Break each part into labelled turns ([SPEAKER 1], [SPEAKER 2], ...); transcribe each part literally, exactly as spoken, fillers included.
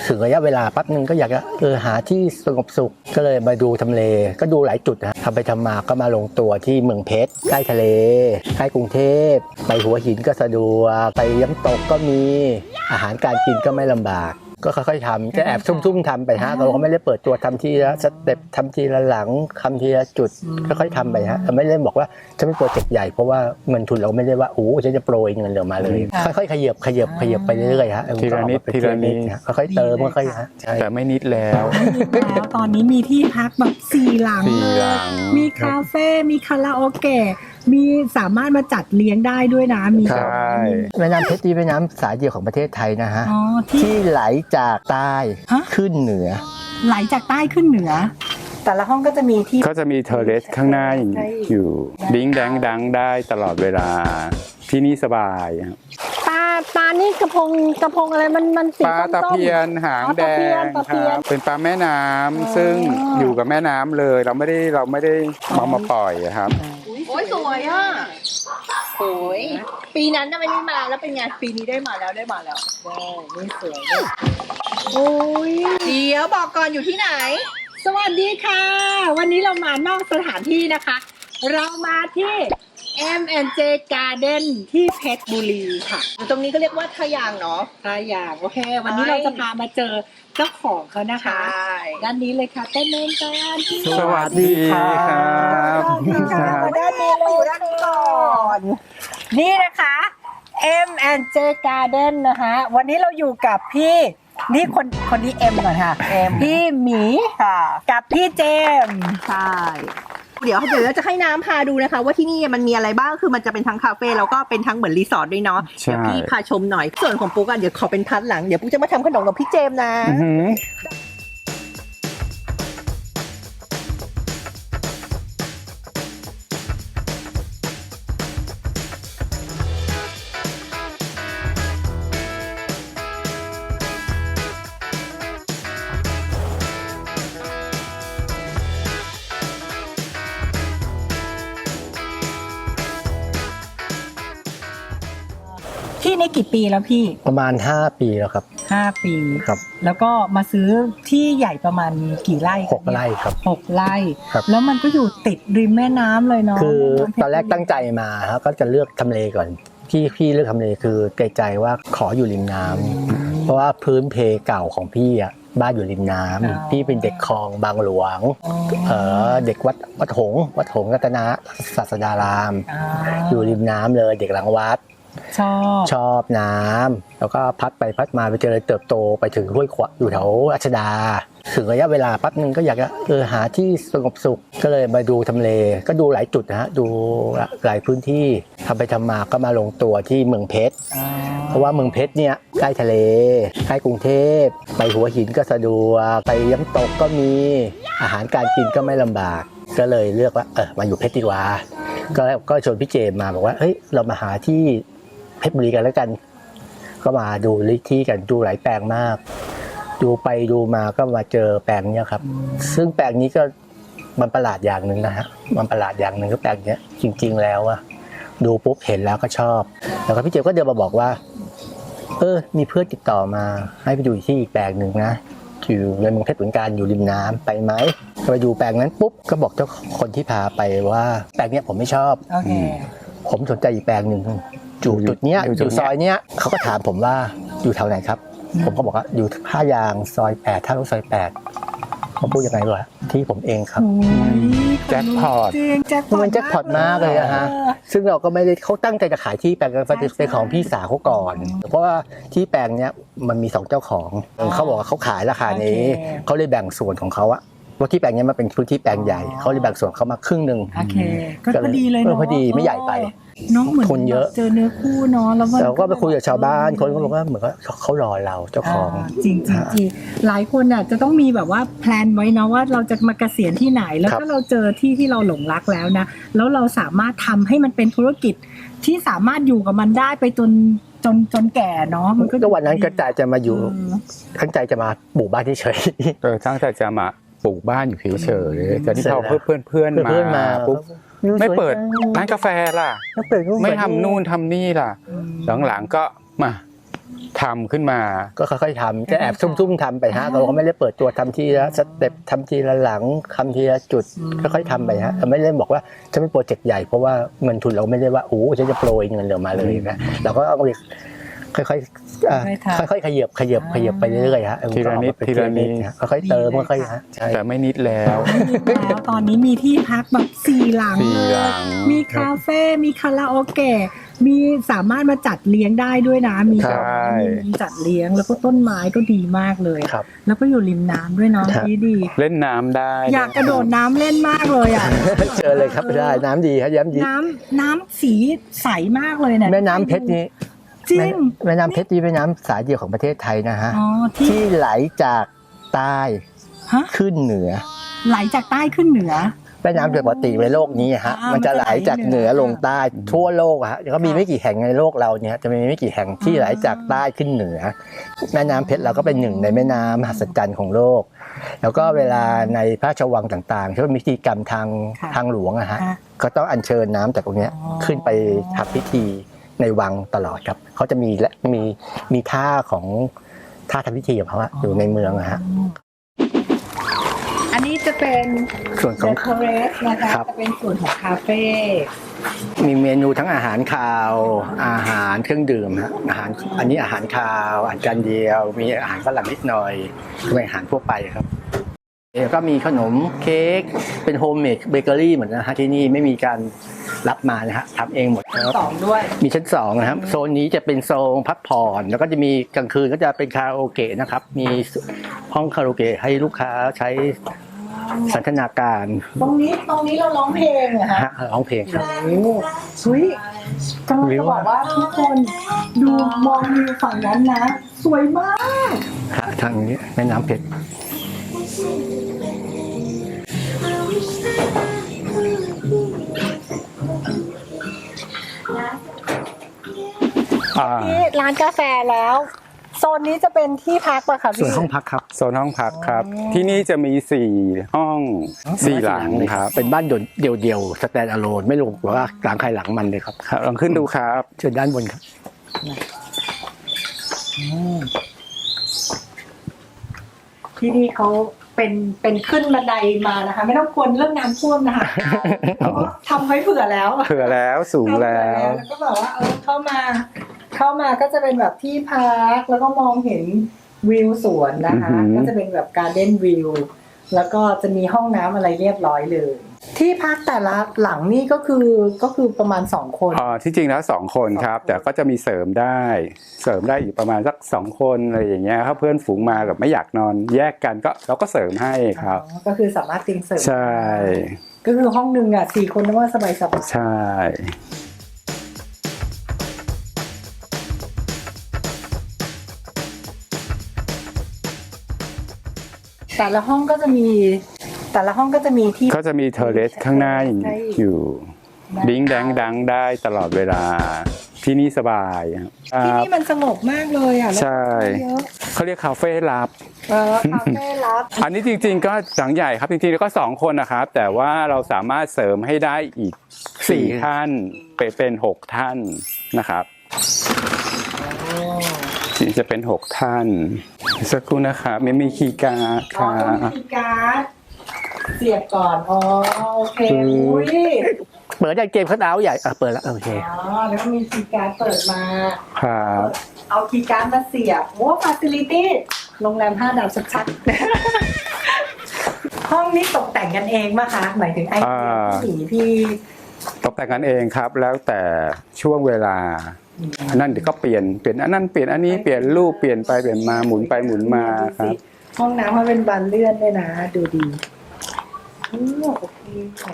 [SPEAKER 1] ถึงระยะเวลาปั๊บนึงก็อยากจะเออหาที่สงบสุขก็เลยมาดูทำเลก็ดูหลายจุดนะทำไปทำมาก็มาลงตัวที่เมืองเพชรใกล้ทะเลใกล้กรุงเทพไปหัวหินก็สะดวกไปน้ำตกก็มีอาหารการกินก็ไม่ลำบากก็ค่อยๆทำจะแอบซุ่มๆทำไปฮะเราก็ไม่ได้เปิดตัวทำทีละสเต็ปทำทีละหลังทำทีละจุดค่อยๆทำไปฮะไม่ได้บอกว่าจะไม่โปรเจกต์ใหญ่เพราะว่าเงินทุนเราไม่ได้ว่าโอ้ฉันจะโปรยเงินเหลือมาเลยค่อยๆขยับขยับขยับไปเรื่อยๆฮะ
[SPEAKER 2] ทีละนิดทีละนิด
[SPEAKER 1] ค่อยๆเติมค่อยๆฮะ
[SPEAKER 2] แต่ไม่นิดแล้ว
[SPEAKER 3] แล้วตอนนี้มีที่พักแบบสี่หลัง
[SPEAKER 2] สี่หลัง
[SPEAKER 3] มีคาเฟ่มีคาราโอเกะมีสามารถมาจัดเลี้ยงได้ด้วยนะมี
[SPEAKER 2] ใช่
[SPEAKER 1] แม่น้ำเพชรนี่แม่น้ำสายเดียวของประเทศไทยนะฮะ
[SPEAKER 3] อ๋อที่
[SPEAKER 1] ที่ไหลจากใต้
[SPEAKER 3] ฮะ
[SPEAKER 1] ขึ้นเหนือ
[SPEAKER 3] ไหลจากใต้ขึ้นเหนือ แต่ละห้องก็จะมีที่
[SPEAKER 2] ก็จะมีเทอร์เรสข้างหน้าอยู่ดิ้งแดงดังได้ตลอดเวลาที่นี่สบายครับ
[SPEAKER 4] ปลาปลานี่กระพงกระพงอะไรมันมันสี
[SPEAKER 2] ปลา
[SPEAKER 4] ส้มๆ
[SPEAKER 2] ตะเพียนหางแดง
[SPEAKER 4] ตะ
[SPEAKER 2] ค
[SPEAKER 4] เพียน
[SPEAKER 2] รับเป็นปลาแม่น้ำซึ่งอยู่กับแม่น้ำเลยเราไม่ได้เราไม่ได้เอามาปล่อยครับ
[SPEAKER 5] โอ้ยสวยอ่ะโอ้ยปีนั้นน่ะไม่ได้มาแล้วเป็นไงปีนี้ได้มาแล้วได้มาแล้วโอ้นี่สวยเลยโอ้ยเดี๋ยวบอกก่อนอยู่ที่ไหน
[SPEAKER 3] สวัสดีค่ะ วันนี้เรามานอกสถานที่นะคะ เรามาที่ เอ็ม แอนด์ เจ Garden ที่เพชรบุรีค่ะ
[SPEAKER 5] อยู่ตรงนี้ก็เรียกว่าทะยางเนาะ
[SPEAKER 3] ถ้าอย่างโอเค วันนี้เราจะพามาเจอเจ้าของเขานะคะ ด้านนี้เลยค่ะเต้นเล่นกันที่
[SPEAKER 2] สวัสดีครับ
[SPEAKER 3] มาด้านนี้เราอยู่ด้านนี้ก่อน นี่นะคะ เอ็ม แอนด์ เจ Garden นะคะ วันนี้เราอยู่กับพี่นี่คนคนนี้เอ็มก่อนค่ะ
[SPEAKER 5] เอ็ม
[SPEAKER 3] พี่หมีค่ะกับพี่เจมส์
[SPEAKER 5] ใช่เดี๋ยวเดี๋ยวเราจะให้น้ำพาดูนะคะว่าที่นี่มันมีอะไรบ้างคือมันจะเป็นทั้งคาเฟ่แล้วก็เป็นทั้งเหมือนรีสอร์ทด้วยเนาะ
[SPEAKER 2] ใช่
[SPEAKER 5] เดี๋ยวพี่พาชมหน่อยส่วนของปุ๊กอ่ะเดี๋ยวขอเป็นพัดหลังเดี๋ยวปุ๊กจะมาทำขนมกับพี่เจมส์นะ
[SPEAKER 2] อื้อหือ
[SPEAKER 3] ที่นี่กี่ปีแล้วพี่
[SPEAKER 1] ประมาณห้าปีแล้วครับ
[SPEAKER 3] ห้าปี
[SPEAKER 1] ครับ
[SPEAKER 3] แล้วก็มาซื้อที่ใหญ่ประมาณกี่ไร่
[SPEAKER 1] หกไร่ครับ
[SPEAKER 3] หกไร่
[SPEAKER 1] ครับ
[SPEAKER 3] แล้วมันก็อยู่ติดริมแม่น้ำเลยเนาะ
[SPEAKER 1] คือ
[SPEAKER 3] แม่ำเพช
[SPEAKER 1] ตอนแรกตั้งใจมาฮะก็จะเลือกทำเลก่อนที่พี่เลือกทำเลคือเกรงใจว่าขออยู่ริมน้ำเพราะว่าพื้นเพเก่าของพี่อ่ะบ้านอยู่ริมน้ำพี่เป็นเด็กคลองบางหลวง
[SPEAKER 3] อ๋อ
[SPEAKER 1] เออเด็กวัดวัดหงส์วัดหงส์รัตนศาสดาราม
[SPEAKER 3] อ่า
[SPEAKER 1] อยู่ริมน้ำเลยเด็กหลังวัด
[SPEAKER 3] ชอบ
[SPEAKER 1] ชอบน้ำแล้วก็พัดไปพัดมาไปเจริญเติบโตไปถึงห้วยขวางอยู่แถวรัชดา ถึงระยะเวลาปั๊บนึงก็อยากจะเออหาที่สงบสุขก็เลยมาดูทำเลก็ดูหลายจุดนะฮะดูหลายพื้นที่ทำไปทำมาก็มาลงตัวที่เมืองเพชร
[SPEAKER 3] อ่า
[SPEAKER 1] เพราะว่าเมืองเพชรเนี่ยใกล้ทะเลใกล้กรุงเทพไปหัวหินก็สะดวกไปน้ำตกก็มีอาหารการกินก็ไม่ลำบาก ก็เลยเลือกว่าเออมาอยู่เพชรดีกว่าก็ก็ชวนพี่เจมมาบอกว่าเฮ้ยเรามาหาที่เพชรบุรีกันแล้วกัน ก็มาดูลิที่กันดูหลายแปลงมาก ดูไปดูมาก็มาเจอแปลงเนี้ยครับ ซึ่งแปลงนี้ก็มันประหลาดอย่างหนึ่งนะฮะมันประหลาดอย่างหนึ่งก็แปลงเนี้ยจริง ๆ แล้วอะดูปุ๊บเห็นแล้วก็ชอบแล้วก็พี่เจมก็เดินมาบอกว่า เออมีเพื่อนติดต่อมาให้ไปดูที่อีกแปลงหนึ่งนะอยู่ในเมืองเพชรเหมือนกันอยู่ริมน้ำไปไหมไปดูแปลงนั้นปุ๊บก็บอกเจ้าคนที่พาไปว่าแปลงเนี้ยผมไม่ชอบ
[SPEAKER 3] โอเค
[SPEAKER 1] ผมสนใจอีกแปลงหนึ่งอยู่จุดเนี้ย
[SPEAKER 2] อยู่
[SPEAKER 1] อ
[SPEAKER 2] จุด
[SPEAKER 1] ยู่
[SPEAKER 2] เนี้ย
[SPEAKER 1] ซอยเนี้ยเขาก็ถามผมว่าอยู่แถวไหนครับ ผมก็บอกว่าอยู่ท่ายางซอยแปดท่ารถซอยแปดเขาพูดยังไงวะที่ผมเองครับ
[SPEAKER 3] โอ้ย
[SPEAKER 2] แจ็คพอต
[SPEAKER 3] จริงแจ็คพอต
[SPEAKER 1] มันแจ็คพอตมากเลยอะฮะซึ่งเราก็ไม่ได้เขาตั้งใจจะขายที่แปลงกันเป็นของพี่สาวเขาก่อน เพราะว่าที่แปลงเนี้ยมันมีสองเจ้าของเขาบอกว่าเขาขายราคานี้เขาเลยแบ่งส่วนของเขาอะเพราะที่แปลงเนี้ยมันเป็นพื้นที่แปลงใหญ่เขาเลยแบ่งส่วนเขามาครึ่งหนึ่ง
[SPEAKER 3] โอเค ก็พอดีเลย
[SPEAKER 1] เออ
[SPEAKER 3] เนาะ
[SPEAKER 1] พอดีไม่ใหญ่ไป
[SPEAKER 3] น้องเหมือน
[SPEAKER 1] คนเยอะ
[SPEAKER 3] เจอเนื้อคู่เนาะแล้วมัน
[SPEAKER 1] เราก็ไปคุยกับชาวบ้านคนก็บอกว่าเหมือนกับเขารอเราเจ้าของ
[SPEAKER 3] าจริงจริงจริงหลายคนอ่ะจะต้องมีแบบว่าแพลนไว้นะว่าเราจะมาเกษียณที่ไหน แล้ว
[SPEAKER 1] ครั
[SPEAKER 3] ก็
[SPEAKER 1] บ
[SPEAKER 3] เราเจอที่ที่เราหลงรักแล้วนะแล้วเราสามารถทำให้มันเป็นธุรกิจที่สามารถอยู่กับมันได้ไปจนจนจนแก่เนาะมันก็
[SPEAKER 1] ก็วันนั้นก็ใจจะมาอยู่
[SPEAKER 3] เออ
[SPEAKER 1] ตั้งใจจะมาปลูกบ้านเฉย
[SPEAKER 2] เออตั้งแต่จะมาปลูกบ้านอยู่เฉยๆแต่ที่
[SPEAKER 1] เสร็จ
[SPEAKER 2] พอ
[SPEAKER 1] แล้ว
[SPEAKER 2] เพื่อนเพื่อน
[SPEAKER 1] ๆ
[SPEAKER 2] เพื่อนๆมา
[SPEAKER 1] เพื่อนๆมา
[SPEAKER 2] ปุ๊บไม่เปิดร้านกาแฟล่ะ
[SPEAKER 1] ไม่เปิด
[SPEAKER 2] ไม่ทำนู่นทำนี่ล่ะ หลังๆก็มาทำขึ้นมา
[SPEAKER 1] ก็ค่อยๆทำจะแอบซุ่มๆทำไปฮะเราก็ไม่ได้เปิดตัวทำทีละสเต็ปทำทีละหลังทำทีละจุดค่อยๆทำไปฮะเราไม่ได้บอกว่าจะเป็นโปรเจกต์ใหญ่เพราะว่าเงินทุนเราไม่ได้ว่าโอ้ฉันจะโปรยเงินเหลือมาเลยนะเราก็เอาค่อยๆอ่าค่อยๆขยับขยับขยับไปเรื่อยๆฮะ
[SPEAKER 2] ทีละนิดทีละนิด
[SPEAKER 1] ค่อยๆเติมค่อยๆฮะใช่
[SPEAKER 2] แต่ไม่นิดแล้ว
[SPEAKER 3] แล้วตอนนี้มีที่พักแบบสี่หลัง
[SPEAKER 2] สี่
[SPEAKER 3] เล
[SPEAKER 2] หลั
[SPEAKER 3] ย
[SPEAKER 2] ง
[SPEAKER 3] มีคาเฟ่มีคาราโอเกะมีสามารถมาจัดเลี้ยงได้ด้วยนะมี
[SPEAKER 2] ใช่
[SPEAKER 3] มีจัดเลี้ยงแล้วก็ต้นไม้ก็ดีมากเลย
[SPEAKER 1] ครับ
[SPEAKER 3] แล้วก็อยู่ริมน้ำด้วยเนาะ
[SPEAKER 1] ครับ
[SPEAKER 3] ดีดี
[SPEAKER 2] เล่นน้ำได้
[SPEAKER 3] อยากกระโดดน้ำเล่นมากเลยอ่ะ
[SPEAKER 1] เจอเลยครับได้น้ำดีครับย้ำดี
[SPEAKER 3] น้ำน้ำสีใสมากเลยเนี่ย
[SPEAKER 1] แม่น้ำเพชรนี้
[SPEAKER 3] จริ
[SPEAKER 1] แม่
[SPEAKER 3] ง
[SPEAKER 1] แม่น้ำเพชรนี่แม่น้ำสายเดียวของประเทศไทยนะฮะ
[SPEAKER 3] อ๋อที่
[SPEAKER 1] ที่ไหลจากใต้
[SPEAKER 3] ฮะ
[SPEAKER 1] ขึ้นเหนือ
[SPEAKER 3] ไหลจากใต้ขึ้นเหนือ
[SPEAKER 1] แม่น้ำโดยปกติในโลกนี้ฮะ
[SPEAKER 3] อ่ามั
[SPEAKER 1] มันจะไหลจากเหนือลงใต้ทั่วโลกอะฮะก็มี
[SPEAKER 3] ค่ะ
[SPEAKER 1] ไม่กี่แห่งในโลกเราเนี่ยจะมีไม่กี่แห่งที่ไหลจากใต้ขึ้นเหนือ แม่น้ำเพชรเราก็เป็นหนึ่งในแม่น้ำมหัศจรรย์ของโลก แล้วก็เวลาในพระราชวังต่างๆที่ว่ามีพิธีกรรมทาง
[SPEAKER 3] ค่ะ
[SPEAKER 1] ทางหลวงอะฮะ
[SPEAKER 3] ค่ะ
[SPEAKER 1] ก็ต้องอัญเชิญน้ำจากตรงเนี้ย
[SPEAKER 3] อ๋อ
[SPEAKER 1] ขึ้นไปทำพิธีในวังตลอดครับเขาจะมีและมีมีท่าของท่าทำพิธีของเขาอะอยู่ในเมืองอะฮะ
[SPEAKER 3] อันนี้จะเป็น
[SPEAKER 1] ส่วนของ
[SPEAKER 3] The Terrace นะคะ
[SPEAKER 1] ครับ
[SPEAKER 3] จะเป็นส่วนของคาเฟ่
[SPEAKER 1] มีเมนูทั้งอาหารคาว อาหารเครื่องดื่มฮะอาหารอันนี้อาหารคาวอาหารจานเดียว มีอาหารฝรั่งนิดหน่อยเป็นอาหารทั่วไปครับแล้วก็มีขนมเค้กเป็นโฮมเมดเบเกอรี่เหมือนนะฮะที่นี่ไม่มีการรับมานะฮะทำเองหมดครับ
[SPEAKER 3] สองด้วย
[SPEAKER 1] มีชั้นสองนะครับโซนนี้จะเป็นโซนพักผ่อนแล้วก็จะมีกลางคืนก็จะเป็นคาราโอเกะนะครับมีห้องคาราโอเกะให้ลูกค้าใช้สันทนาการ
[SPEAKER 3] ตรงนี้ตรงนี้เราร้องเพลงเหรอฮะ
[SPEAKER 1] ฮะร้องเพลงครับ
[SPEAKER 3] โอ้เฮ้ยกำลังจะบอกว่าทุกคนดูมองวิวฝั่งนั้นนะ สวยมาก
[SPEAKER 1] ฮะทางนี้แม่น้ำเพชร
[SPEAKER 2] อ่า
[SPEAKER 3] นี่ร้านกาแฟแล้ว โซนนี้จะเป็นที่พักป่ะคะ
[SPEAKER 1] ส่วน
[SPEAKER 3] พี่
[SPEAKER 1] ห้องพักครับ
[SPEAKER 2] โซนห้องพักครับ ที่นี่จะมีสี่ห้องสี่หลังครับ
[SPEAKER 1] เป็นบ้านเดี่ยวเดี่ยวสแตนด์อะโลนไม่รวมกับว่าหลังใครหลังมันเลยครับ
[SPEAKER 2] ครับลองขึ้นดูครับ
[SPEAKER 1] เชิญด้านบนครับ
[SPEAKER 3] ที่นี่เขาเป็นเป็นขึ้นบันไดมานะคะ ไม่ต้องกลัวเรื่องน้ำท่วมนะคะเขาก็ทำไว้เผื่อแล้ว
[SPEAKER 2] เผื่อแล้วสูงแล้ว
[SPEAKER 3] แล้วก็แบบว่าเออเข้ามา เข้ามาก็จะเป็นแบบที่พักแล้วก็มองเห็นวิวสวนนะคะ
[SPEAKER 2] อือหือ
[SPEAKER 3] ก็จะเป็นแบบการ์เด้นวิวแล้วก็จะมีห้องน้ำอะไรเรียบร้อยเลย ที่พักแต่ละหลังนี่ก็คือก็คือประมาณสองคน
[SPEAKER 2] อ่าที่จริงแล้วสองคนครับ แต่ก็จะมีเสริมได้ เสริมได้อีกประมาณสักสองคนอะไรอย่างเงี้ยถ้าเพื่อนฝูงมากับไม่อยากนอนแยกกันก็เราก็เสริมให้ครับ
[SPEAKER 3] อ๋อก็คือสามารถติงเสริม
[SPEAKER 2] ใช่
[SPEAKER 3] ก็คือห้องหนึ่งอ่ะสี่คนนึกว่าสบายสบาย
[SPEAKER 2] ใช่
[SPEAKER 3] แต่ละห้องก็จะมี แต่ละห้องก็จะมีที่
[SPEAKER 2] ก็จะมีเทอร์เรสข้างหน้าอยู่ดิ้งแดงดังได้ตลอดเวลาที่นี่สบายครับ
[SPEAKER 3] ที่นี่มันสงบมากเลยอ่ะแล้ว
[SPEAKER 2] ใช่
[SPEAKER 3] เยอะ
[SPEAKER 2] เขาเรียกคาเฟ่ลับ
[SPEAKER 3] เออคาเฟ่รับ
[SPEAKER 2] อันนี้จริงๆก็หลังใหญ่ครับจริงๆแล้วก็สองคนนะครับ แต่ว่าเราสามารถเสริมให้ได้อีกสี่ท่านเป็นเป็นหกท่านนะครับจะเป็นหกท่านสักครู่นะครับไม่มีคีย์การ์ดค
[SPEAKER 3] อ๋อ
[SPEAKER 2] รั
[SPEAKER 3] ต้อง
[SPEAKER 2] บ
[SPEAKER 3] มีการ์ดเสียบก่อน อ๋อ โอเค อุ้ย
[SPEAKER 1] เปิดได้เกมคัทเอาท์ใหญ่อ่ะเปิดแล้วโอเค
[SPEAKER 3] อ๋อ แล้วก็มีคีย์การ์ดเปิดมา
[SPEAKER 2] ครับ
[SPEAKER 3] เอาคีย์การ์ดมาเสียบโอ้ฟาซิลิตี้โรงแรมห้าดาวชัดๆ ห้องนี้ตกแต่งกันเองมาคะหมายถึงไอเดียที่หนีพี่
[SPEAKER 2] ตกแต่งกันเองครับ แล้วแต่ช่วงเวลาอันนั้นเดี๋ยวก็เปลี่ยนเปลี่ยนอันนั้นเปลี่ยนอันนี้เปลี่ยนรูปเปลี่ยนไปเปลี่ยนมาหมุนไปหมุนมาครับ
[SPEAKER 3] ห้องน้ำมันเป็นบานเลื่อนด้วยนะ ดูดีอืมโอเคค่ะ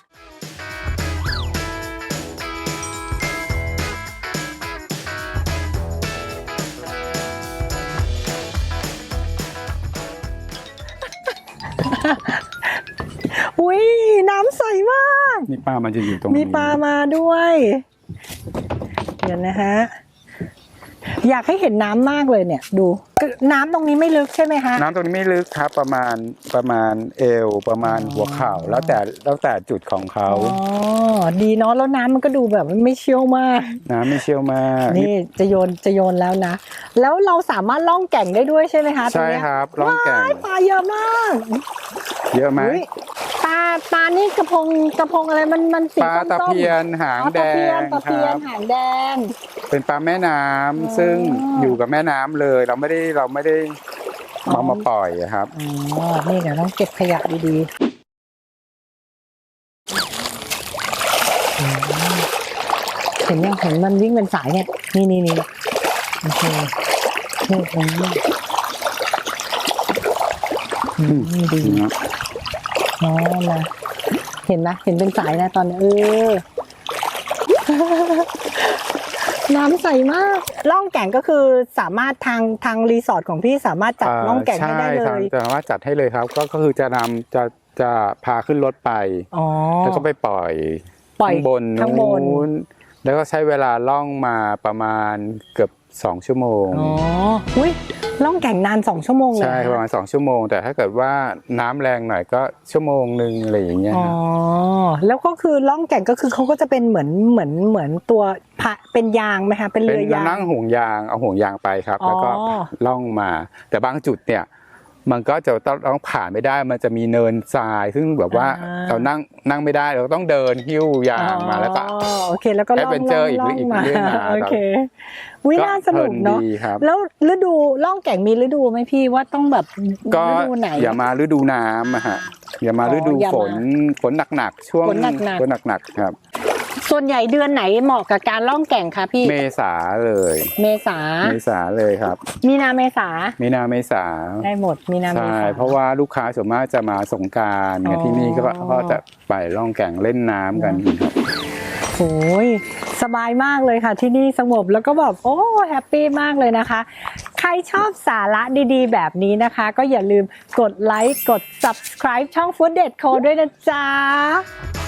[SPEAKER 3] อุ้ยน้ำใสมาก
[SPEAKER 2] นี่ป้ามันจะอยู่ตรงนี้
[SPEAKER 3] มีปลามาด้วย เดี๋ยวนะฮะอยากให้เห็นน้ำมากเลยเนี่ยดูน้ำตรงนี้ไม่ลึกใช่ไหมคะ
[SPEAKER 2] น้ำตรงนี้ไม่ลึกครับประมาณประมาณเอวประมาณหัวเข่าแล้วแต่แล้วแต่จุดของเขา
[SPEAKER 3] อ๋อดีเนาะแล้วน้ำมันก็ดูแบบไม่เชี่ยวมาก
[SPEAKER 2] น้ำไม่เชี่ยวมาก
[SPEAKER 3] นี่จะโยนจะโยนแล้วนะ แล้วเราสามารถล่องแก่งได้ด้วยใช่ไหมคะตรง
[SPEAKER 2] ใช่
[SPEAKER 3] เนี้ย
[SPEAKER 2] ครับล่องแก่ง
[SPEAKER 3] ว้ายปลาเยอะมาก
[SPEAKER 2] เยอะไหม
[SPEAKER 3] อุ๊ย
[SPEAKER 4] ปลาปลานี่กระพงกระพงอะไรมันมันสี
[SPEAKER 2] ปลา
[SPEAKER 4] ส้มๆ
[SPEAKER 2] ตะเพียนหาง
[SPEAKER 4] อ๋อ
[SPEAKER 2] แด
[SPEAKER 4] ตะเพียน
[SPEAKER 2] ง
[SPEAKER 4] ตะ
[SPEAKER 2] ค
[SPEAKER 4] เพีย
[SPEAKER 2] รั
[SPEAKER 4] น
[SPEAKER 2] บ
[SPEAKER 4] หางแดง
[SPEAKER 2] เป็นปลาแม่น้ำซึ่งอยู่กับแม่น้ำเลย เราไม่ได้เราไม่ได้เอามาปล่อยอะครับ
[SPEAKER 3] อ๋อนี่เดี๋ยวต้องเก็บขยะดีๆอืมเห็นยังเห็นมันวิ่งเป็นสายเนี่ยนี่นี่นี่โอเคนี่ตรงนี้อืมดีอ๋อมาเห็นไหมเห็นเป็นสายนะตอนนี้เออ น้ำใสมากล่องแก่งก็คือสามารถทางทางรีสอร์ทของพี่สามารถจัดล่องแก่งให้ได้เล
[SPEAKER 2] ใช่
[SPEAKER 3] ย
[SPEAKER 2] จะสามารถจัดให้เลยครับ ก็ก็คือจะนำจะจะพาขึ้นรถไป
[SPEAKER 3] อ๋อ
[SPEAKER 2] แล้วก็ไปปล่อย
[SPEAKER 3] ปล่อย
[SPEAKER 2] ข้างบน
[SPEAKER 3] ข้างบน
[SPEAKER 2] นู้นแล้วก็ใช้เวลาล่องมาประมาณเกือบสองชั่วโมง
[SPEAKER 3] อ๋ออุ้ยล่องแก่งนานสองชั่วโมงเลย
[SPEAKER 2] ใช่
[SPEAKER 3] เห
[SPEAKER 2] ประมาณสองชั่วโมง แต่ถ้าเกิดว่าน้ำแรงหน่อยก็ชั่วโมงหนึ่งอะไรอย่างเงี้ย
[SPEAKER 3] อ๋อ
[SPEAKER 2] ครับ
[SPEAKER 3] แล้วก็คือล่องแก่งก็คือเขาก็จะเป็นเหมือนเหมือนเหมือนตัวพะเป็นยางไหมคะเป็น
[SPEAKER 2] เป็น
[SPEAKER 3] เรือยาง
[SPEAKER 2] นั่งห่วงยางเอาห่วงยางไปครับ แล้วก็
[SPEAKER 3] อ๋อ
[SPEAKER 2] ล่องมา แต่บางจุดเนี่ยมันก็จะต้องผ่านไม่ได้มันจะมีเนินทราย ซึ่งแบบว่าเรานั่งนั่งไม่ได้เราต้องเดินหิ้วยางมาแล้วก็
[SPEAKER 3] อ๋อโอเคแล้วก็ล่อง
[SPEAKER 2] Adventure
[SPEAKER 3] ล่อง
[SPEAKER 2] อีก
[SPEAKER 3] ล่อง
[SPEAKER 2] อีก
[SPEAKER 3] มา
[SPEAKER 2] เรื่องมา
[SPEAKER 3] โอเควิน่าสนุกเนาะ
[SPEAKER 2] พลิดีครับ
[SPEAKER 3] แล้วฤดูล่องแก่งมีฤดูไหมพี่ว่าต้องแบบ
[SPEAKER 2] ก็
[SPEAKER 3] ฤดูไหน
[SPEAKER 2] อย่ามาฤดูน้ำอะฮะอย่ามา
[SPEAKER 3] อ๋อ
[SPEAKER 2] ฤดู
[SPEAKER 3] อย่ามา
[SPEAKER 2] ฝนฝนหนักๆช่วง
[SPEAKER 3] ฝนหนักๆ
[SPEAKER 2] ฝนหนักๆครับ
[SPEAKER 3] ส่วนใหญ่เดือนไหนเหมาะกับการล่องแก่งคะพี่
[SPEAKER 2] เมษาเลย
[SPEAKER 3] เมษา
[SPEAKER 2] เมษาเลยครับ
[SPEAKER 3] มีนาเมษา
[SPEAKER 2] มีนาเมษา
[SPEAKER 3] ได้หมดมีนาเม
[SPEAKER 2] ใช่
[SPEAKER 3] ษา
[SPEAKER 2] เพราะว่าลูกค้าส่วนมากจะมาสงกรารเนี่ย
[SPEAKER 3] อ๋อ
[SPEAKER 2] ที่นี่ก็ก็จะไปล่องแก่งเล่นน้ำกันครับ
[SPEAKER 3] โอ้ยสบายมากเลยค่ะที่นี่สงบแล้วก็แบบโอ้แฮปปี้มากเลยนะคะ ใครชอบสาระดีๆ แบบนี้นะคะ ก็อย่าลืมกดไลค์กด subscribe ช่อง Food Date Co ด้วยนะจ๊ะ